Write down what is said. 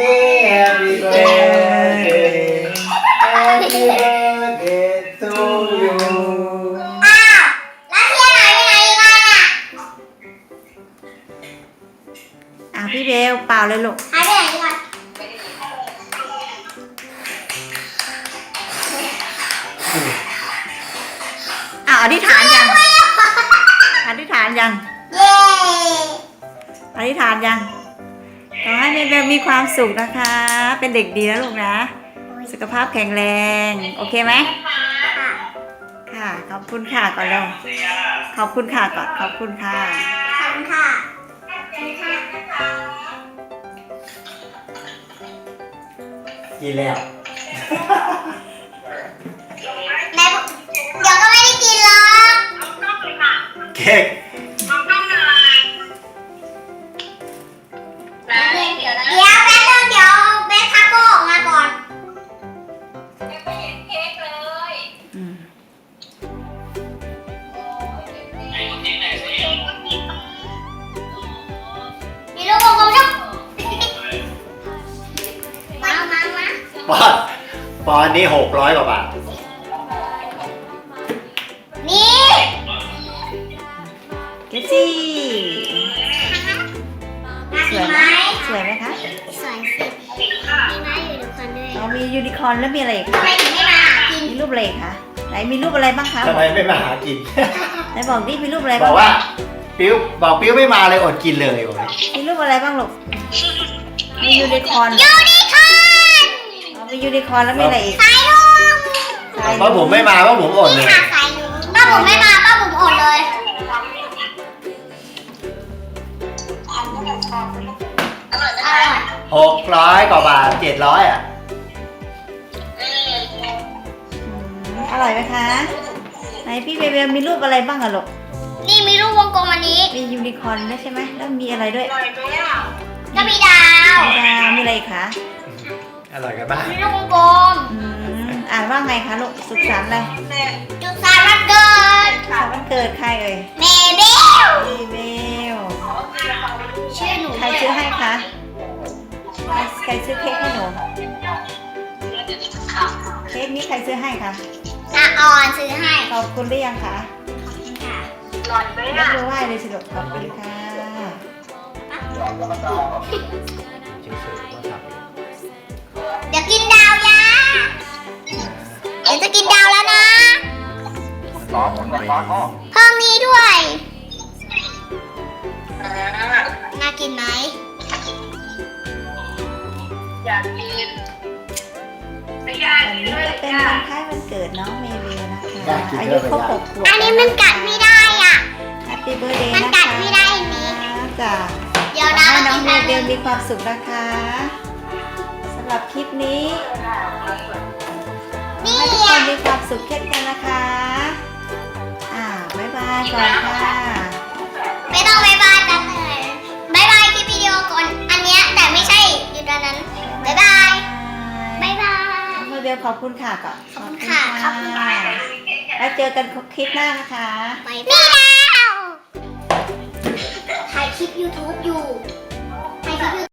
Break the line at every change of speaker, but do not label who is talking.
Happy birthday Happy birthday to you
อ้าวแล้วเทียนหายไปไหนอีกอ่ะ
พี่เบลเป่าเลยลูก
หายไปไหนอีกอ่ะ
อธิษฐานยังอธิษฐานยัง
เย้
อธิษฐานยังขอให้เบลมีความสุขนะคะ เป็นเด็กดีนะลูกนะ สุขภาพแข็งแรงโอเคไหม
ค่ะ
ค่ะขอบคุณค่ะก่อนเร็วขอบคุณค่ะก่อนขอบคุณค่ะ
ขอบคุณค่ะ
กินแล้ว
แม่เดี๋ยวก็ไม่ได้กินหรอก
เค้ก
เดี๋ยวแป๊บนึงเดี๋ยวเบสทาโก้ออกมาก่อน
อืม
มีลูกวงกลมลูกมา
ปอนด์นี้600 กว่าบาท
นี่
เกซี่
น่า
ส
กิ
วย
น
ไห
ไห
ม
ม
สวยไหมคะ
สวยสิมีไม้อยู่ทุกคนด้วย
เรามียูนิคอร์นแล้วมีอะไรอีก
ทำ
คะ
ไมถึงไม่มาหากิน
มีรูปอะไรอีกคะไหนมีรูปอะไรบ้างคะ
ทำไมไม่มาหากิน
ไหนบอกดิมีรูปอะไร
บ
บ้า
อง กว่าปิ้วไม่มาเลยอดกินเลยบอกเลย
มีรูปอะไรบ้างลูกมียูนิคอร์น
ยูนิคอร์น
มียูนิคอร์นแล้วมีอะไรอีก
สายลุง
เพราะผมไม่มาเพราะผมอดเลย
ค่ะสายลุงป้าผมไม่มาป้าผมอดเลยอร่อย
600 กว่าบาท 700 อ่ะ
อร่อยไหมคะไหนพี่เบลมีรูปอะไรบ้างอะลูก
นี่มีลูกวงกลมอันนี้
มียูนิคอร์นด้วยใช่ไหมแล้วมีอะไรด้วย
ก็มีดาว
มีดาวมีอะไรอีกคะ
อร่อยกันบ้าง
มีลูกวงกลม
อ่านว่าไงคะลูกสุขสันต์อะไร
จุดสายวันเกิด
สุขสันต์วันเกิดใครเอ่ย
เมเบล
พี่เบล
ชื่อหนู
ใครซื้อให้คะใครซื้อเค้กให้หนูเค้กนี้ใครซื้อให้คะ
อาออนซื้อให้
ขอบคุณหรือยังคะ
ค่ะ
ยกมือไหว้เลยสิลูกขอบคุณค่ะ
เดี๋ยวกินดาวยาเดี๋ยวจะกินดาวแล้วนะ เพิ่มนี้ด้วย น่ากินไหม
วันนี้จะเป็นวันคล้ายวันเกิดน้องเมวิลนะคะอายุครบ6 ขวบ
อันนี้มันกัดไม่ได้อ่ะ
แฮปปี้เบิร์ดเดย์
มัน
นะ
กั
คะ
ดไม่ได้อันนี้
จ้ะ
เดี๋ยว
ขอ
นะ
ให้น้องเม
มากิ
วิล
น
มีความสุขนะคะสำหรับคลิปนี้
นี่
ให้ทุกคนมีความสุขเช่นกันนะคะบ๊ายบายก่อนค่ะ
ไม่ต้องบายบายกันเลยบายบายคลิปวิดีโอก่อนอันเนี้ยแต่ไม่ใช่อยู่ตอนนั้นบายบายบายบาย
เมวิลขอบคุณค่ะก่อน
ขอบคุณค่ะขอบคุณค่ะ
แล้วเจอกันคลิปหน้านะคะ
บายบายถ่ายคลิป YouTube อยู่ถ่ายคลิป